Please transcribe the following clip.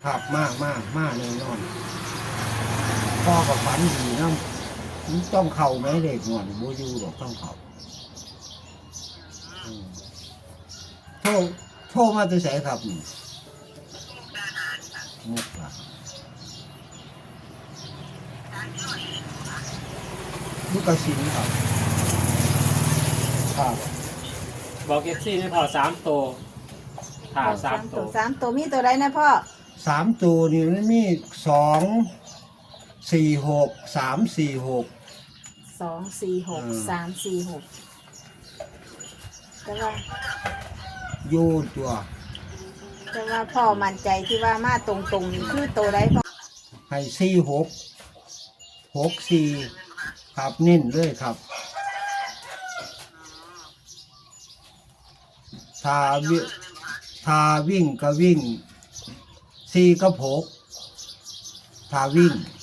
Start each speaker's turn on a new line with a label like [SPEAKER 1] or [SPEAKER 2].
[SPEAKER 1] ครับมากแน่นอนพ่อกับฝันดีนะมันต้องเข่าไหมเด็กหน่อยโบอยูหรอกต้องเข่าอืมโทรมาจะใส่ครับนี่มุกละมุกกระสินครับครับ
[SPEAKER 2] บอกเอฟซีไม่พอ3 ตัวถาสามตัว
[SPEAKER 3] สามตัวมีตัวใดนะพ่อ
[SPEAKER 1] 3 ตัวนี่มันมี2 4 6 3 4 6
[SPEAKER 3] 2 4 6 3 4 6แต่ว่า
[SPEAKER 1] โยนตัว
[SPEAKER 3] พ่อมั่นใจที่ว่ามาตรงๆนี่คือตัวใดพ่อ
[SPEAKER 1] ให้4 6 6 4ครับนิ่นเลยครับถ้าวิ่งก็วิ่ง4 กับ 6ถ้าวิ่ง